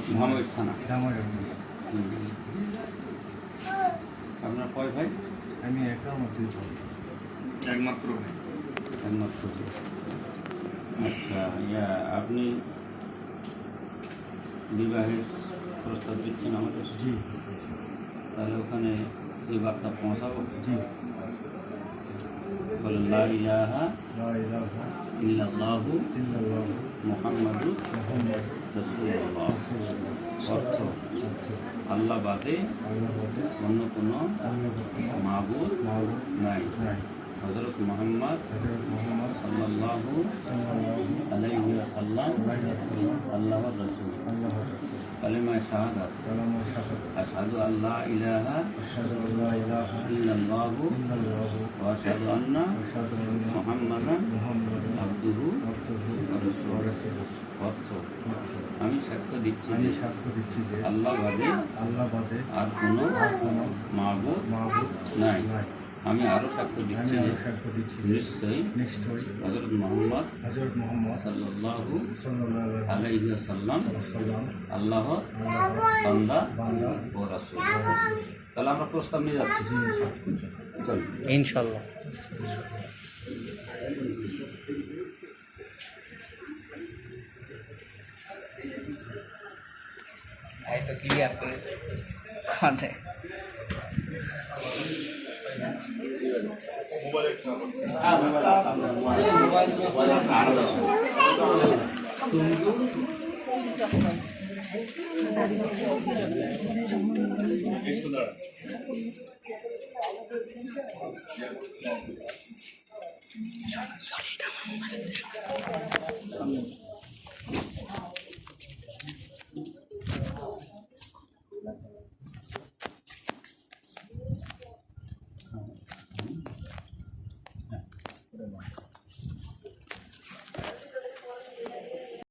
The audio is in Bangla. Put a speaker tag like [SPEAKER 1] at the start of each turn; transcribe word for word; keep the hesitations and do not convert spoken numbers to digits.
[SPEAKER 1] মহামের থানা।
[SPEAKER 2] হুম।
[SPEAKER 1] আপনার কয় ভাই?
[SPEAKER 2] আমি একা, আমার দুই ভাই।
[SPEAKER 3] একমাত্র
[SPEAKER 1] একমাত্র। আচ্ছা, ইয়া আপনি বিবাহের প্রস্তাব দিচ্ছেন আমাদের?
[SPEAKER 2] জি।
[SPEAKER 1] তাহলে ওখানে এই বার্তা পৌঁছাবো?
[SPEAKER 2] জি।
[SPEAKER 1] বলেন লা ইলাহা
[SPEAKER 2] লা ইলাহা
[SPEAKER 1] ইল্লাল্লাহু
[SPEAKER 2] ইল্লাল্লাহু
[SPEAKER 1] মুহাম্মাদুর
[SPEAKER 2] মুহাম্মাদুর
[SPEAKER 1] রাসূলুল্লাহ।
[SPEAKER 2] রাসূলুল্লাহ।
[SPEAKER 1] অর্থ, আল্লাহ বাদে
[SPEAKER 2] আল্লাহ বাদে
[SPEAKER 1] অন্য কোনো
[SPEAKER 2] অন্য কোনো
[SPEAKER 1] মাবুদ
[SPEAKER 2] মাবুদ
[SPEAKER 1] নাই।
[SPEAKER 2] নাই।
[SPEAKER 1] হযরত মুহাম্মদ
[SPEAKER 2] হযরত মুহাম্মদ
[SPEAKER 1] সাল্লাল্লাহু
[SPEAKER 2] সাল্লাল্লাহু
[SPEAKER 1] আলাইহি ওয়াসাল্লাম
[SPEAKER 2] আলাইহি ওয়াসাল্লাম
[SPEAKER 1] আল্লাহর রাসূল।
[SPEAKER 2] আল্লাহর রাসূল।
[SPEAKER 1] কালিমায়ে শাহাদাত
[SPEAKER 2] কালামুল শাহাদাত।
[SPEAKER 1] আশহাদু আল্লা ইলাহা
[SPEAKER 2] আশহাদু আল্লা ইলাহা
[SPEAKER 1] ইল্লাল্লাহু
[SPEAKER 2] ইল্লাল্লাহু
[SPEAKER 1] ওয়া আশহাদু আন্না
[SPEAKER 2] ওয়া আশহাদু আন্না
[SPEAKER 1] মুহাম্মাদান
[SPEAKER 2] মুহাম্মাদান
[SPEAKER 1] আবদুহু
[SPEAKER 2] আবদুহু
[SPEAKER 1] ওয়া
[SPEAKER 2] ওয়া
[SPEAKER 1] রাসূলুহু।
[SPEAKER 2] রাসূলুহু।
[SPEAKER 1] অর্থ, আমি সাক্ষ্য দিচ্ছি
[SPEAKER 2] আমি
[SPEAKER 1] যে
[SPEAKER 2] সাক্ষ্য দিচ্ছি যে
[SPEAKER 1] আল্লাহ বাদে
[SPEAKER 2] আল্লাহ বাদে
[SPEAKER 1] আর কোনো
[SPEAKER 2] আর কোনো
[SPEAKER 1] মাবুদ
[SPEAKER 2] মাবুদ
[SPEAKER 1] নাই।
[SPEAKER 2] নাই।
[SPEAKER 1] আমি আরও সাক্ষ্য
[SPEAKER 2] আমি
[SPEAKER 1] দিচ্ছি যে
[SPEAKER 2] আরো সাক্ষ্য দিচ্ছি যে
[SPEAKER 1] নিশ্চয়ই
[SPEAKER 2] নিশ্চয়ই
[SPEAKER 1] হযরত মুহাম্মদ
[SPEAKER 2] হযরত মুহাম্মদ
[SPEAKER 1] সাল্লাল্লাহু
[SPEAKER 2] সাল্লাল্লাহু
[SPEAKER 1] আলাইহি ওয়াসাল্লাম
[SPEAKER 2] ওয়াসাল্লাম
[SPEAKER 1] আল্লাহর
[SPEAKER 2] আল্লাহর
[SPEAKER 1] বান্দা
[SPEAKER 2] বান্দা
[SPEAKER 1] ও রাসূল। তাহলে আমরা প্রস্তাব নিয়ে যাচ্ছি।
[SPEAKER 2] জি সাক্ষ্য দিচ্ছি।
[SPEAKER 1] চল।
[SPEAKER 4] ইনশাল্লাহ। ভাই তো ক্লিয়ার করে কানে
[SPEAKER 3] মোবাইল